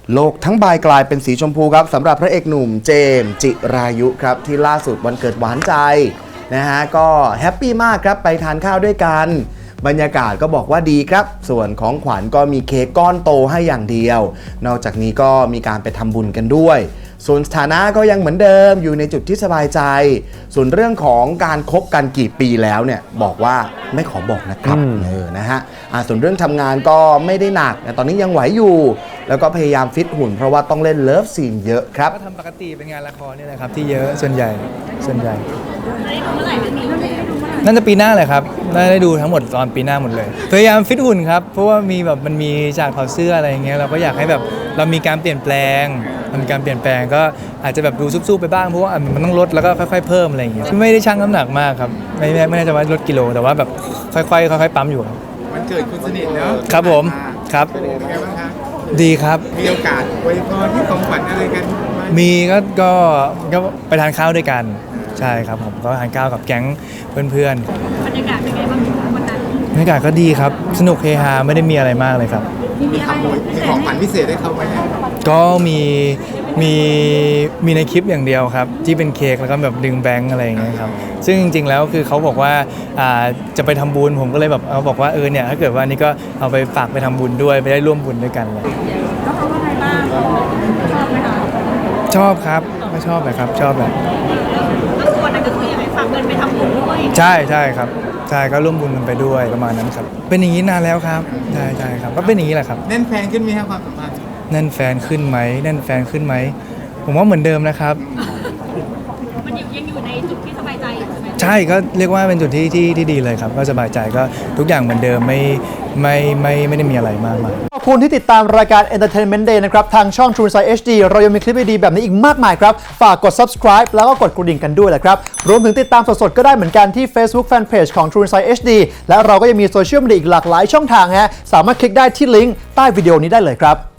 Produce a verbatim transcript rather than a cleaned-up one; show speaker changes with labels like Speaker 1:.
Speaker 1: โลกทั้งใบกลายเป็นสีชมพูครับสำหรับพระเอกหนุ่มเจมส์จิรายุครับที่ล่าสุดวันเกิดหวานใจนะฮะก็แฮปปี้มากครับไปทานข้าวด้วยกันบรรยากาศก็บอกว่าดีครับส่วนของขวัญก็มีเค้กก้อนโตให้อย่างเดียวนอกจากนี้ก็มีการไปทำบุญกันด้วยส่วนสถานะก็ยังเหมือนเดิมอยู่ในจุดที่สบายใจส่วนเรื่องของการคบกันกี่ปีแล้วเนี่ยบอกว่าไม่ขอบอกนะครับเออนะฮะส่วนเรื่องทำงานก็ไม่ได้หนักตอนนี้ยังไหวอยู่แล้วก็พยายามฟิตหุ่นเพราะว่าต้องเล่นเลิฟซีนเยอะครับ
Speaker 2: ก็ทำปกติเป็นงานละครนี่แหละครับที่เยอะส่วนใหญ่ส่วนใหญ่น่าจะปีหน้าเลยครับน่าได้ดูทั้งหมดตอนปีหน้าหมดเลยพยายามฟิตหุ่นครับเพราะว่ามีแบบมันมีฉากถอดเสื้ออะไรอย่างเงี้ยเราก็อยากให้แบบเรามีการเปลี่ยนแปลงมันมีการเปลี่ยนแปลงก็อาจจะแบบดูซุบๆไปบ้างเพราะว่ามันต้องลดแล้วก็ค่อยๆเพิ่มอะไรอย่างเงี้ยไม่ได้ชั่งน้ำหนักมากครับไม่ไม่ไม่แน่ใจว่าลดกิโลแต่ว่าแบบค่อยๆค่อยๆปั๊มอยู่ครับ
Speaker 3: มันเกิดคุณสนิทเนอะ
Speaker 2: ครับผมครับ
Speaker 3: เป็นยังไงบ้างครับ
Speaker 2: ดีครับ
Speaker 3: มีโอกาสอวยพรที่ของขวัญอะไรกัน
Speaker 2: มีก็ก็ก็ไปทานข้าวด้วยกันใช่ครับผมก็ทานข้าวกับแก๊งเพื่อนๆบรรยากาศเป็นไงบ้างวันนั้นบรรยากาศก็ดีครับสนุกเฮฮาไม่ได้มีอะไรมากเลยครับ
Speaker 3: มีขโมยมีของขวัญพิเศษให้เขาไหม
Speaker 2: ก็มีมีมีในคลิปอย่างเดียวครับที่เป็นเค้กแล้วก็แบบดึงแบงค์อะไรอย่างเงี้ยครับซึ่งจริงๆแล้วคือเขาบอกว่าอ่าจะไปทำบุญผมก็เลยแบบเขาบอกว่าเออเนี่ยถ้าเกิดว่านี่ก็เอาไปฝากไปทำบุญด้วยไปได้ร่วมบุญด้วยกันเลย
Speaker 4: แล้วเขาว่าไงบ้างชอบไหมคะ
Speaker 2: ชอบครับไม่ชอบเลยครับชอบแบบ
Speaker 4: ก็ควรนั่นก็คือยังไงฝากเงินไปทำบุญด้วย
Speaker 2: ใช่ใช่ครับใช่ก็ร่วมบุญกันไปด้วยประมาณนั้นครับเป็นอย่างนี้นานแล้วครับใช่ใช่ครับก็เป็นอย่างนี้แหละครับ
Speaker 3: แน่นแฟนขึ้นไหมครับความสัมพันธ์
Speaker 2: แน่นแฟนขึ้นไหมแน่นแฟนขึ้นไหมผมว่าเหมือนเดิมนะครับ
Speaker 4: มันยังอยู่ในจุดที่สบายใจใช่ไหม
Speaker 2: ใช่ก็เรียกว่าเป็นจุดที่ที่ที่ดีเลยครับก็สบายใจก็ทุกอย่างเหมือนเดิมไม่ไม่ไม่ไม่ได้มีอะไรมากมาย
Speaker 5: ขอบคุณที่ติดตามรายการ Entertainment Day นะครับทางช่อง True Insight เอช ดี เรายังมีคลิปดีๆแบบนี้อีกมากมายครับฝากกด subscribe แล้วก็กดกระดิ่งกันด้วยแหละครับรวมถึงติดตามสดๆก็ได้เหมือนกันที่ Facebook Fanpage ของ True Insight เอช ดี และเราก็ยังมีโซเชียลมีเดียอีกหลากหลายช่องทางฮะสามารถคลิกได้ที่ลิงก์ใต้วิดีโอนี้ได้เลยครับ